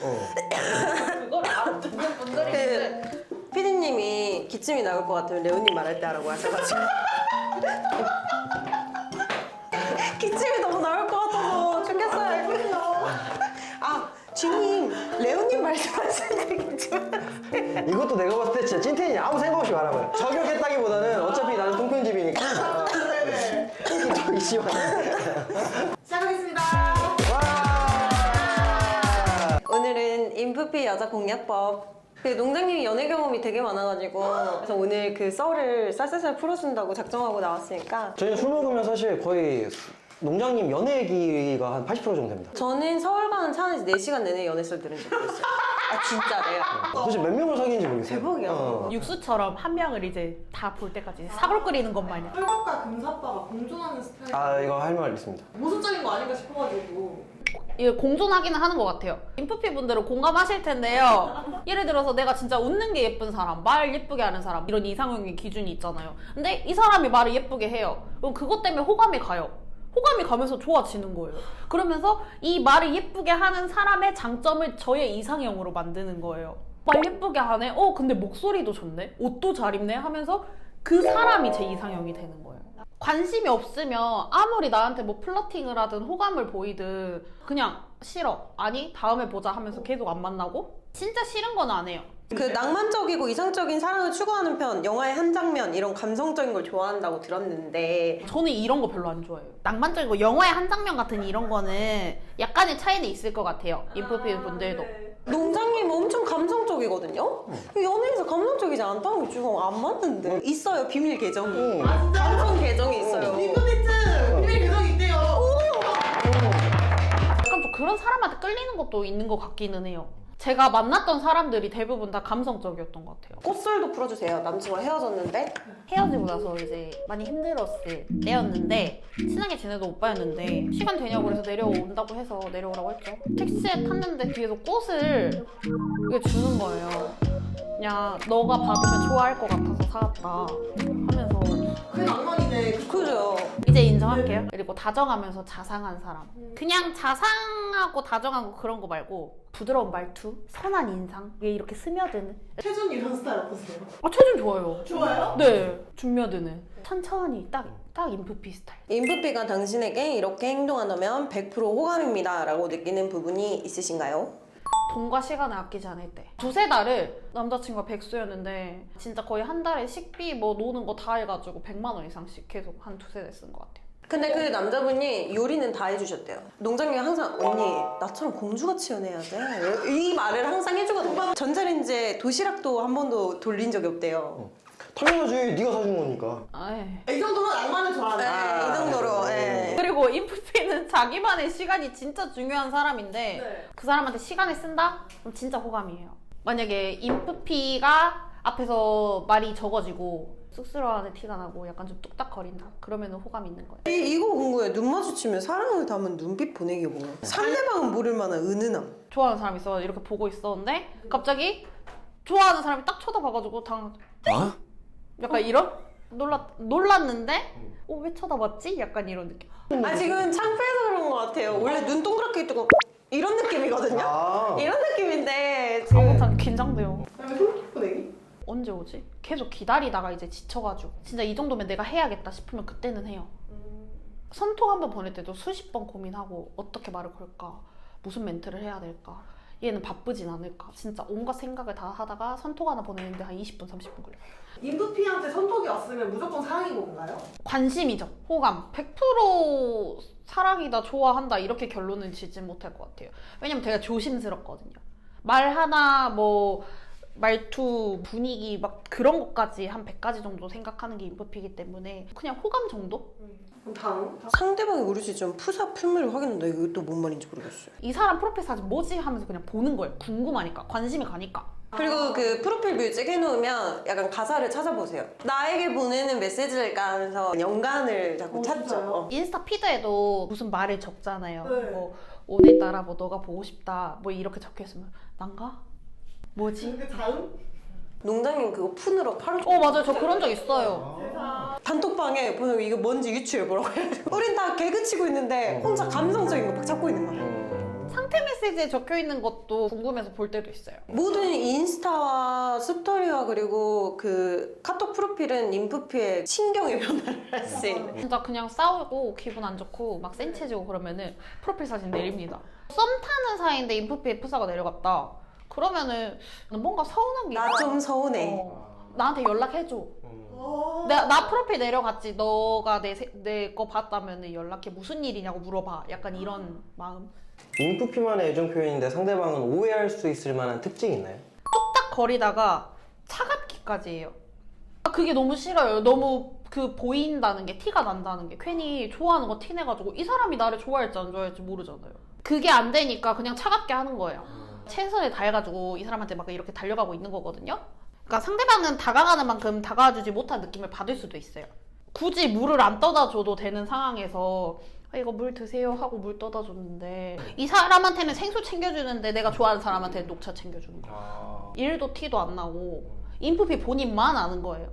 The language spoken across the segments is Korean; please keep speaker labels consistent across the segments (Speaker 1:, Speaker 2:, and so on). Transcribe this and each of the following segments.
Speaker 1: 그걸 알아듣는 분들이 있는데
Speaker 2: 피디님이 기침이 나올 것 같으면 레오님 말할 때 하라고 하셔가지고 기침이 너무 나올 것 같아서 죽겠어요. 아 주님 레오님 말씀하시는 게 기침.
Speaker 3: 이것도 내가 봤을 때 진짜 찐텐이 아무 생각 없이 말한 거야. 저격했다기보다는 어차피 나는 통편집이니까. 저기 씨발.
Speaker 1: 시작하겠습니다.
Speaker 2: 오늘은 인프피 여자 공략법. 그 농장님이 연애 경험이 되게 많아가지고 그래서 오늘 그 썰을 쌀쌀쌀 풀어준다고 작정하고 나왔으니까
Speaker 3: 저희는 술 먹으면 사실 거의 농장님 연애 얘기가 한 80% 정도 됩니다.
Speaker 2: 저는 서울 가는 차 안에서 4시간 내내 연애 썰 들은 적도 있어요. 아 진짜래요.
Speaker 3: 도대체 몇 명을 사귀는지 모르겠어요.
Speaker 2: 대박이야.
Speaker 1: 육수처럼 한 명을 이제 다 볼 때까지 사골 끓이는 것 마냥.
Speaker 4: 혈갑과 금사빠가 공존하는 스타일.
Speaker 3: 아 이거 할 말 있습니다.
Speaker 4: 모순적인 거 아닌가 싶어가지고.
Speaker 1: 이게 공존하기는 하는 것 같아요. 인프피 분들은 공감하실 텐데요. 예를 들어서 내가 진짜 웃는 게 예쁜 사람, 말 예쁘게 하는 사람 이런 이상형의 기준이 있잖아요. 근데 이 사람이 말을 예쁘게 해요. 그럼 그것 때문에 호감이 가요. 호감이 가면서 좋아지는 거예요. 그러면서 이 말을 예쁘게 하는 사람의 장점을 저의 이상형으로 만드는 거예요. 말 예쁘게 하네? 근데 목소리도 좋네? 옷도 잘 입네? 하면서 그 사람이 제 이상형이 되는 거예요. 관심이 없으면 아무리 나한테 뭐 플러팅을 하든 호감을 보이든 그냥 싫어. 아니 다음에 보자 하면서 계속 안 만나고 진짜 싫은 건 안 해요.
Speaker 2: 그 낭만적이고 이상적인 사랑을 추구하는 편, 영화의 한 장면 이런 감성적인 걸 좋아한다고 들었는데
Speaker 1: 저는 이런 거 별로 안 좋아해요. 낭만적이고 영화의 한 장면 같은 이런 거는 약간의 차이는 있을 것 같아요. 인프피 분들도.
Speaker 2: 농장님 엄청 감성적이거든요? 연예에서 감성적이지 않다는 게 좀 안 맞는데 있어요 비밀 계정이. 감성 계정이 있어요.
Speaker 4: 링크비트 비밀 계정이 있대요.
Speaker 1: 약간 좀 그런 사람한테 끌리는 것도 있는 것 같기는 해요. 제가 만났던 사람들이 대부분 다 감성적이었던 것 같아요.
Speaker 2: 꽃썰도 풀어주세요. 남친과 헤어졌는데
Speaker 1: 헤어지고 나서 이제 많이 힘들었을 때였는데 친하게 지내던 오빠였는데 시간 되냐고 그래서 내려온다고 해서 내려오라고 했죠. 택시에 탔는데 뒤에서 꽃을 이게 주는 거예요. 그냥 너가 받으면 좋아할 것 같아서 사왔다 하면서
Speaker 4: 그게 낭만이네.
Speaker 2: 그죠?
Speaker 1: 이제 인정할게요. 그리고 다정하면서 자상한 사람. 그냥 자상하고 다정하고 그런 거 말고 부드러운 말투, 선한 인상, 왜 이렇게 스며드는.
Speaker 4: 최준 이런 스타일 어떠세요?
Speaker 1: 최준 좋아요.
Speaker 4: 좋아요?
Speaker 1: 네, 준며드는. 천천히 딱 인프피 스타일.
Speaker 2: 인프피가 당신에게 이렇게 행동한다면 100% 호감입니다 라고 느끼는 부분이 있으신가요?
Speaker 1: 돈과 시간을 아끼지 않을 때. 두세 달을 남자친구가 백수였는데 진짜 거의 한 달에 식비 뭐 노는 거 다 해가지고 100만 원 이상씩 계속 한 두세 달 쓴 것 같아요.
Speaker 2: 근데 그 남자분이 요리는 다 해주셨대요. 농장님이 항상 언니 나처럼 공주같이 연애해야 돼. 이 말을 항상 해주거든요. 전자레인지에 도시락도 한 번도 돌린 적이 없대요.
Speaker 3: 당연하지. 네가 사준 거니까.
Speaker 1: 아이.
Speaker 4: 이 정도면 낭만을
Speaker 2: 네,
Speaker 4: 좋아한다.
Speaker 2: 이 정도로. 네.
Speaker 1: 그리고 인프피는 자기만의 시간이 진짜 중요한 사람인데
Speaker 4: 네.
Speaker 1: 그 사람한테 시간을 쓴다? 그럼 진짜 호감이에요. 만약에 인프피가 앞에서 말이 적어지고 쑥스러워하는 티가 나고 약간 좀 뚝딱거린다. 그러면 호감 있는 거예요.
Speaker 2: 이거 궁금해. 눈 마주치면 사랑을 담은 눈빛 보내기 뭐야? 상대방은 모를 만한 은은함.
Speaker 1: 좋아하는 사람이 있어 이렇게 보고 있었는데 갑자기 좋아하는 사람이 딱 쳐다봐가지고 약간 이런? 놀랐는데 왜 쳐다봤지? 약간 이런 느낌.
Speaker 2: 아 지금 창피해서 그런 것 같아요. 원래 눈 동그랗게 뜨고 이런 느낌이거든요.
Speaker 3: 아.
Speaker 2: 이런 느낌인데
Speaker 1: 아무튼 긴장돼요.
Speaker 4: 그다음에 솔깃 보내기?
Speaker 1: 언제 오지? 계속 기다리다가 이제 지쳐가지고 진짜 이 정도면 내가 해야겠다 싶으면 그때는 해요. 선톡 한 번 보낼 때도 수십 번 고민하고 어떻게 말을 걸까? 무슨 멘트를 해야 될까? 얘는 바쁘진 않을까? 진짜 온갖 생각을 다 하다가 선톡 하나 보내는데 한 20분, 30분 걸려요.
Speaker 4: 인프피한테 선톡이 왔으면 무조건 사랑인 건가요?
Speaker 1: 관심이죠. 호감. 100% 사랑이다, 좋아한다 이렇게 결론은 짓지 못할 것 같아요. 왜냐면 제가 조심스럽거든요. 말 하나 뭐 말투, 분위기 막 그런 것까지 한 100가지 정도 생각하는 게 인프피이기 때문에 그냥 호감 정도?
Speaker 4: 그럼 다음?
Speaker 2: 상대방이 모르지 좀 푸사 풀물을 확인한다. 이거 또 뭔 말인지 모르겠어요.
Speaker 1: 이 사람 프로필 사진 뭐지? 하면서 그냥 보는 거예요. 궁금하니까. 관심이 가니까.
Speaker 2: 그리고 그 프로필 뮤직 해놓으면 약간 가사를 찾아보세요. 나에게 보내는 메시지일까 하면서 연관을 자꾸 찾죠.
Speaker 4: 진짜요?
Speaker 1: 인스타 피드에도 무슨 말을 적잖아요.
Speaker 4: 네.
Speaker 1: 뭐 오늘따라 뭐 너가 보고 싶다 뭐 이렇게 적혀있으면 난가? 뭐지?
Speaker 4: 그 다음?
Speaker 2: 농장님 그거 푼으로 팔을
Speaker 1: 맞아요. 저 그런 적 있어요.
Speaker 2: 단톡방에 보면 이거 뭔지 유추해보라고 해요. 우린 다 개그 치고 있는데 혼자 감성적인 거 막 찾고 있는 거예요.
Speaker 1: 상태 메시지에 적혀 있는 것도 궁금해서 볼 때도 있어요.
Speaker 2: 모든 인스타와 스토리와 그리고 그 카톡 프로필은 인프피의 신경의 변화를 할 수 있는.
Speaker 1: 진짜 그냥 싸우고 기분 안 좋고 막 센치해지고 그러면은 프로필 사진 내립니다. 썸 타는 사이인데 인프피 F사가 내려갔다. 그러면은 뭔가 서운한 게
Speaker 2: 나
Speaker 1: 있어.
Speaker 2: 좀 서운해.
Speaker 1: 나한테 연락해줘. 나 프로필 내려갔지. 너가 내 거 봤다면 연락해. 무슨 일이냐고 물어봐. 약간 이런 마음.
Speaker 3: 인프피만의 애정 표현인데 상대방은 오해할 수 있을 만한 특징이 있나요?
Speaker 1: 뚝딱 거리다가 차갑기까지 해요. 그게 너무 싫어요. 너무 그 보인다는 게, 티가 난다는 게. 괜히 좋아하는 거 티내가지고 이 사람이 나를 좋아할지 안 좋아할지 모르잖아요. 그게 안 되니까 그냥 차갑게 하는 거예요. 최선을 다해가지고 이 사람한테 막 이렇게 달려가고 있는 거거든요. 그러니까 상대방은 다가가는 만큼 다가와주지 못한 느낌을 받을 수도 있어요. 굳이 물을 안 떠다 줘도 되는 상황에서 이거 물 드세요 하고 물 떠다 줬는데 이 사람한테는 생수 챙겨주는데 내가 좋아하는 사람한테는 녹차 챙겨주는 거야. 일도 티도 안 나고 인프피 본인만 아는 거예요.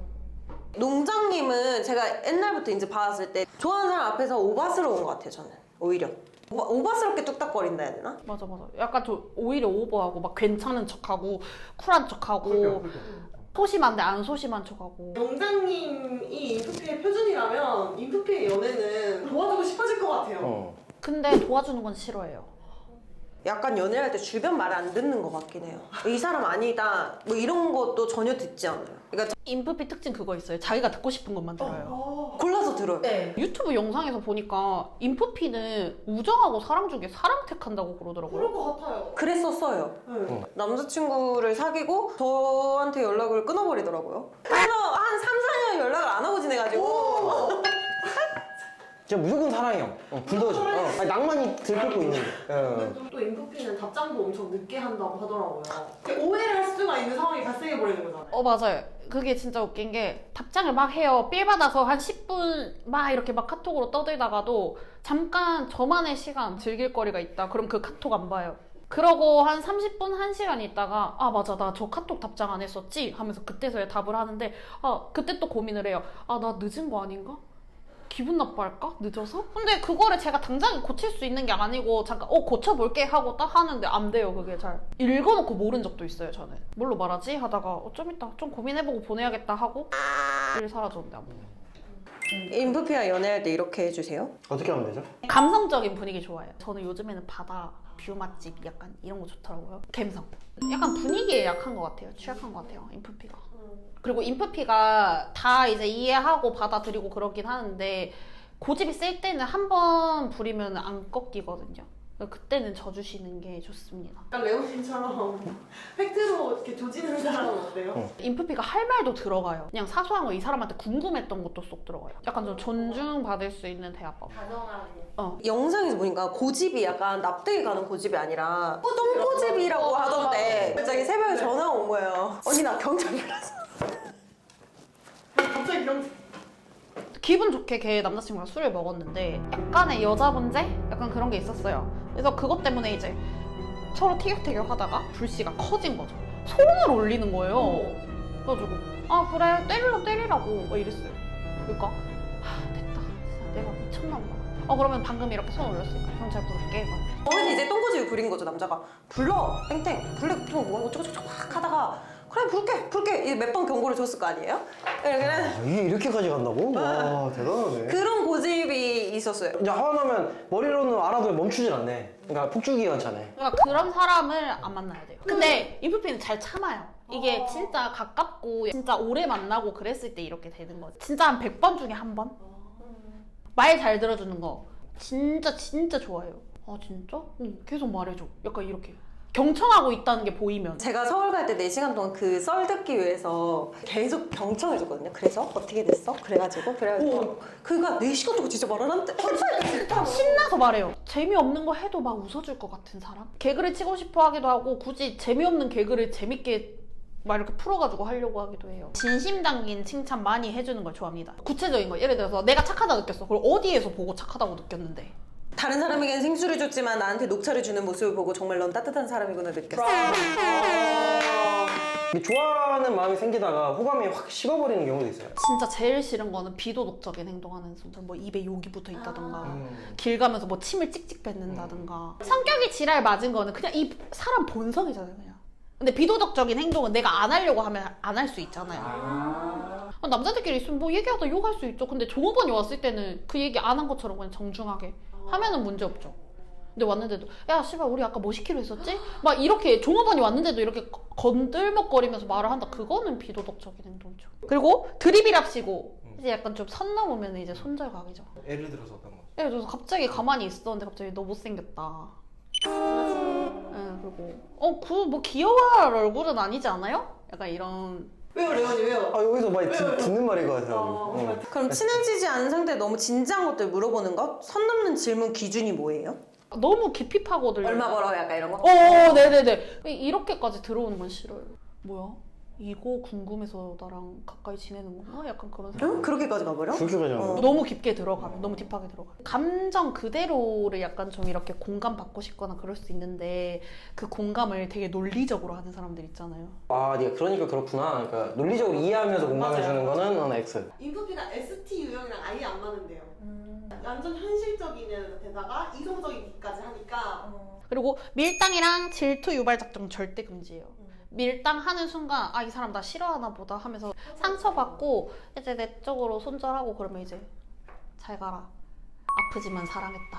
Speaker 2: 농장님은 제가 옛날부터 이제 봤을 때 좋아하는 사람 앞에서 오바스러운 것 같아요. 저는 오히려 오바스럽게 뚝딱거린다 해야 되나?
Speaker 1: 맞아. 약간 좀 오히려 오버하고 막 괜찮은 척하고 쿨한 척하고 소심한데 안 소심한 척하고.
Speaker 4: 영장님이 인프피의 표준이라면 인프피의 연애는 도와주고 싶어질 것 같아요.
Speaker 1: 근데 도와주는 건 싫어해요.
Speaker 2: 약간 연애할 때 주변 말 안 듣는 것 같긴 해요. 이 사람 아니다 뭐 이런 것도 전혀 듣지 않아요. 그러니까
Speaker 1: 인프피 특징 그거 있어요. 자기가 듣고 싶은 것만 들어요.
Speaker 2: 골라서 들어요.
Speaker 4: 네.
Speaker 1: 유튜브 영상에서 보니까 인프피는 우정하고 사랑 중에 사랑 택한다고 그러더라고요.
Speaker 4: 그럴 것 같아요.
Speaker 2: 그랬었어요.
Speaker 4: 네.
Speaker 2: 남자친구를 사귀고 저한테 연락을 끊어버리더라고요. 그래서 한 3, 4년 연락을 안 하고 지내가지고
Speaker 3: 진짜 무조건 사랑해요. 불도저. 아니, 낭만이 들끓고 있는데.
Speaker 4: 또 인프피는 답장도 엄청 늦게 한다고 하더라고요. 오해를 할 수가 있는 상황이 발생해버리는 거잖아요.
Speaker 1: 맞아요. 그게 진짜 웃긴 게 답장을 막 해요. 삘 받아서 한 10분 막 이렇게 막 카톡으로 떠들다가도 잠깐 저만의 시간 즐길 거리가 있다. 그럼 그 카톡 안 봐요. 그러고 한 30분, 1시간 있다가 아 맞아 나 저 카톡 답장 안 했었지? 하면서 그때서야 답을 하는데 그때 또 고민을 해요. 나 늦은 거 아닌가? 기분 나빠할까? 늦어서? 근데 그거를 제가 당장 고칠 수 있는 게 아니고 잠깐 고쳐볼게 하고 딱 하는데 안 돼요. 그게 잘 읽어놓고 모른 적도 있어요. 저는 뭘로 말하지? 하다가 좀 이따 좀 고민해보고 보내야겠다 하고 일 사라졌는데 안 보내요.
Speaker 2: 인프피와 연애할 때 이렇게 해주세요.
Speaker 3: 어떻게 하면 되죠?
Speaker 1: 감성적인 분위기 좋아해요. 저는 요즘에는 바다 뷰 맛집 약간 이런 거 좋더라고요. 감성. 약간 분위기에 약한 것 같아요. 취약한 것 같아요. 인프피가. 그리고 인프피가 다 이제 이해하고 받아들이고 그러긴 하는데 고집이 셀 때는 한 번 부리면 안 꺾이거든요. 그때는 져주시는 게 좋습니다.
Speaker 4: 약간 레오님처럼 팩트로 이렇게 조지는 사람은 어때요?
Speaker 1: 인프피가 할 말도 들어가요. 그냥 사소한 거 이 사람한테 궁금했던 것도 쏙 들어가요. 약간 좀 존중받을 수 있는 대화법.
Speaker 2: 영상에서 보니까 고집이 약간 납득이 가는 고집이 아니라 똥고집이라고 하던데 갑자기 새벽에 전화가 온 거예요. 언니 나 경찰 불렀어.
Speaker 4: 갑자기 이런
Speaker 1: 기분 좋게 걔 남자친구랑 술을 먹었는데 약간의 여자 문제? 약간 그런 게 있었어요. 그래서 그것 때문에 이제 서로 티격태격 하다가 불씨가 커진 거죠. 손을 올리는 거예요. 그래가지고 그래 때리라고 막 이랬어요. 그러니까 됐다. 진짜 내가 미쳤나 보다. 그러면 방금 이렇게 손 올렸으니까 경찰 부를게. 막.
Speaker 2: 거기서 이제 똥고집이 부린 거죠. 남자가 불러 땡땡 불러 뭐 어쩌고저쩌고 막 하다가 그래 부를게 몇 번 경고를 줬을 거 아니에요? 그래
Speaker 3: 이게 이렇게까지 간다고? 와 대단하네.
Speaker 2: 그런 고집이 있었어요.
Speaker 3: 이제 화나면 머리로는 알아도 멈추질 않네. 그러니까 폭주기관차네.
Speaker 1: 그러니까 그런 사람을 안 만나야 돼요. 근데 인프피는 잘 참아요. 이게 진짜 가깝고 진짜 오래 만나고 그랬을 때 이렇게 되는 거지. 진짜 한 100번 중에 한 번? 말 잘 들어주는 거 진짜 좋아해요. 진짜? 응, 계속 말해줘. 약간 이렇게 경청하고 있다는 게 보이면.
Speaker 2: 제가 서울 갈 때 4시간 동안 그 썰 듣기 위해서 계속 경청해줬거든요. 그래서 어떻게 됐어? 그래가지고 그니까 4시간 동안 진짜 말을 하는데
Speaker 1: 신나서 말해요. 재미없는 거 해도 막 웃어줄 것 같은 사람? 개그를 치고 싶어 하기도 하고 굳이 재미없는 개그를 재밌게 막 이렇게 풀어가지고 하려고 하기도 해요. 진심 담긴 칭찬 많이 해주는 걸 좋아합니다. 구체적인 거. 예를 들어서 내가 착하다 느꼈어. 그걸 어디에서 보고 착하다고 느꼈는데.
Speaker 2: 다른 사람에겐 생수를 줬지만 나한테 녹차를 주는 모습을 보고 정말 넌 따뜻한 사람이구나 느꼈어.
Speaker 3: 좋아하는 마음이 생기다가 호감이 확 식어버리는 경우도 있어요.
Speaker 1: 진짜 제일 싫은 거는 비도덕적인 행동하는 순간. 뭐 입에 욕이 붙어 있다던가 길 가면서 뭐 침을 찍찍 뱉는다던가. 성격이 지랄 맞은 거는 그냥 이 사람 본성이잖아요, 그냥. 근데 비도덕적인 행동은 내가 안 하려고 하면 안 할 수 있잖아요. 남자들끼리 있으면 뭐 얘기하다 욕할 수 있죠. 근데 종업원이 왔을 때는 그 얘기 안 한 것처럼 그냥 정중하게 하면은 문제 없죠. 근데 왔는데도 야 씨발 우리 아까 뭐 시키로 했었지? 막 이렇게 종업원이 왔는데도 이렇게 건들먹거리면서 말을 한다. 그거는 비도덕적인 행동이죠. 그리고 드립이랍시고 이제 약간 좀 선 넘으면 이제 손절각이죠.
Speaker 3: 예를 들어서 어떤 거?
Speaker 1: 예를 들어서 갑자기 가만히 있었는데 갑자기 너 못생겼다. 예, 그리고 그 뭐 귀여워할 얼굴은 아니지 않아요? 약간 이런.
Speaker 4: 왜요, 레원이 왜요?
Speaker 3: 아 여기서 많이 듣는 말인 것 같아요.
Speaker 2: 그럼 친해지지 않은 상태에 너무 진지한 것들 물어보는 거? 선 넘는 질문 기준이 뭐예요?
Speaker 1: 너무 깊이 파고들려.
Speaker 2: 얼마 벌어? 약간 이런 거?
Speaker 1: 네네네. 이렇게까지 들어오는 건 싫어요. 뭐야? 이거 궁금해서 나랑 가까이 지내는 건가? 약간 그런 생각.
Speaker 2: 응? 그렇게까지 가버려?
Speaker 3: 그렇게까지 하는
Speaker 1: 너무 깊게 들어가면, 너무 딥하게 들어가면. 감정 그대로를 약간 좀 이렇게 공감받고 싶거나 그럴 수 있는데 그 공감을 되게 논리적으로 하는 사람들 있잖아요.
Speaker 3: 아, 네가 그러니까 그렇구나. 그러니까 논리적으로 이해하면서 공감해주는 거는 X.
Speaker 4: 인프피가 ST 유형이랑 아예 안 맞는데요. 완전 현실적인 데다가 이성적이기까지 하니까
Speaker 1: 그리고 밀당이랑 질투 유발 작전 절대 금지예요. 밀당하는 순간 아 이 사람 나 싫어하나 보다 하면서 상처받고 이제 내 쪽으로 손절하고 그러면 이제 잘 가라. 아프지만 사랑했다.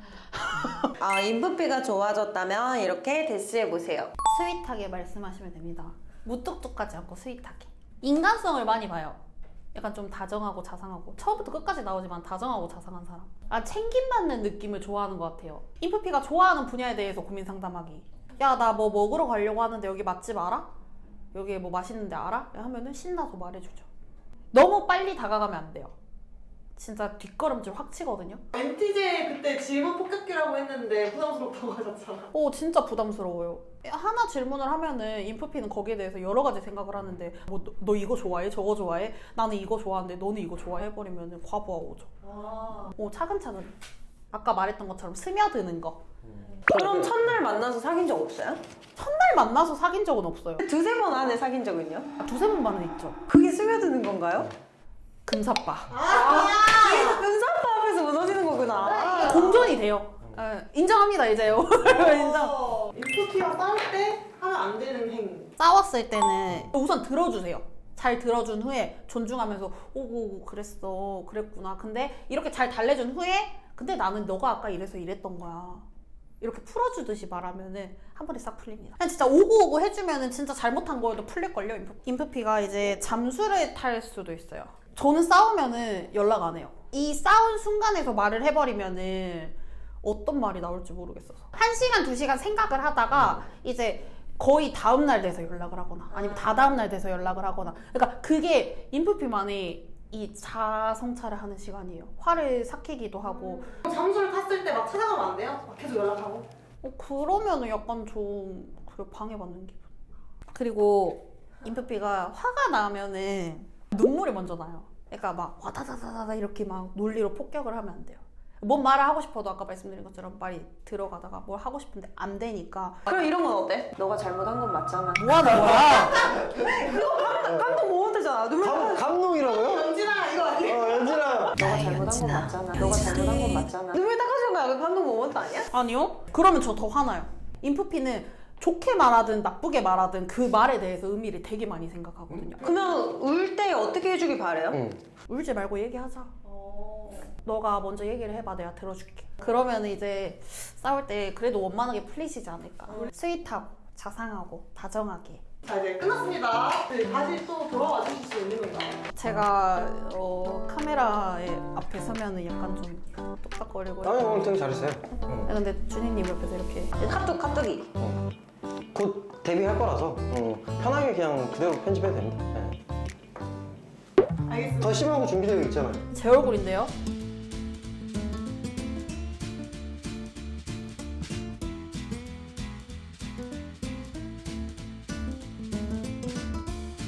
Speaker 2: 아, 인프피가 좋아졌다면 이렇게 대시해보세요.
Speaker 1: 스윗하게 말씀하시면 됩니다. 무뚝뚝하지 않고 스윗하게. 인간성을 많이 봐요. 약간 좀 다정하고 자상하고 처음부터 끝까지 나오지만 다정하고 자상한 사람. 아 챙김받는 느낌을 좋아하는 것 같아요. 인프피가 좋아하는 분야에 대해서 고민 상담하기. 야 나 뭐 먹으러 가려고 하는데 여기 맛집 알아? 여기 뭐 맛있는 데 알아? 하면은 신나서 말해주죠. 너무 빨리 다가가면 안 돼요. 진짜 뒷걸음질 확 치거든요.
Speaker 4: MTJ 그때 질문 폭격기라고 했는데 부담스럽다고 하셨잖아.
Speaker 1: 진짜 부담스러워요. 하나 질문을 하면은 인프피는 거기에 대해서 여러 가지 생각을 하는데 뭐 너 이거 좋아해? 저거 좋아해? 나는 이거 좋아하는데 너는 이거 좋아해? 해버리면은 과부하 오죠. 차근차근. 아까 말했던 것처럼 스며드는 거.
Speaker 2: 그럼 첫날 만나서 사귄 적 없어요?
Speaker 1: 첫날 만나서 사귄 적은 없어요.
Speaker 2: 두세 번 안에 사귄 적은요?
Speaker 1: 두세 번만은 있죠.
Speaker 2: 그게 스며드는 건가요?
Speaker 1: 금사빠.
Speaker 2: 은사빠 앞에서 무너지는 거구나.
Speaker 1: 공존이 돼요. 인정합니다 이제요. 인정.
Speaker 4: 인프피와 싸울 때 하면 안 되는 행위.
Speaker 1: 싸웠을 때는 우선 들어주세요. 잘 들어준 후에 존중하면서 오고 그랬어 그랬구나. 근데 이렇게 잘 달래준 후에 근데 나는 너가 아까 이래서 이랬던 거야. 이렇게 풀어주듯이 말하면은 한 번에 싹 풀립니다. 그냥 진짜 오고 해주면은 진짜 잘못한 거에도 풀릴걸요. 인프피가 이제 잠수를 탈 수도 있어요. 저는 싸우면은 연락 안 해요. 이 싸운 순간에서 말을 해버리면은 어떤 말이 나올지 모르겠어서 1시간, 2시간 생각을 하다가 이제 거의 다음날 돼서 연락을 하거나 아니면 다다음날 돼서 연락을 하거나 그러니까 그게 인프피만의 이 자성찰을 하는 시간이에요. 화를 삭히기도 하고
Speaker 4: 잠수를 탔을 때 막 찾아가면 안 돼요? 막 계속 연락하고.
Speaker 1: 그러면은 약간 좀 방해받는 기분. 그리고 인프피가 화가 나면은 눈물이 먼저 나요. 그러니까 막 와다다다다 이렇게 막 논리로 폭격을 하면 안 돼요. 뭔 말을 하고 싶어도 아까 말씀드린 것처럼 말이 들어가다가 뭘 하고 싶은데 안 되니까.
Speaker 2: 그럼 이런 건 어때? 너가 잘못한 건 맞잖아.
Speaker 1: 뭐 하는 거야?
Speaker 2: 감동 못 되잖아. 눈물
Speaker 3: 감동이라고요?
Speaker 4: 연진아 이거 아니야?
Speaker 3: 연진아.
Speaker 2: 너가 잘못한 건 맞잖아. 너가 잘못한 건 맞잖아. 눈물 닦아주는 거야. 그 감동 모먼트 아니야?
Speaker 1: 아니요. 그러면 저 더 화나요. 인프피는 좋게 말하든 나쁘게 말하든 그 말에 대해서 의미를 되게 많이 생각하거든요.
Speaker 2: 그러면 울 때 어떻게 해주길 바래요?
Speaker 1: 울지 말고 얘기하자. 너가 먼저 얘기를 해봐. 내가 들어줄게. 그러면 이제 싸울 때 그래도 원만하게 풀리시지 않을까. 스윗하고 자상하고 다정하게.
Speaker 4: 자 이제 끝났습니다. 네, 다시 또 돌아와 주실 수 있는 건가요?
Speaker 1: 제가 카메라에 앞에 서면은 약간 좀 똑딱거리고.
Speaker 3: 아니 오늘 되게 잘했어요.
Speaker 1: 근데 준희님 옆에서 이렇게
Speaker 2: 카톡이.
Speaker 3: 곧 데뷔할 거라서 편하게 그냥 그대로 편집해도 됩니다. 네.
Speaker 4: 알겠습니다.
Speaker 3: 더 심하고 준비되어 있잖아요.
Speaker 1: 제 얼굴인데요.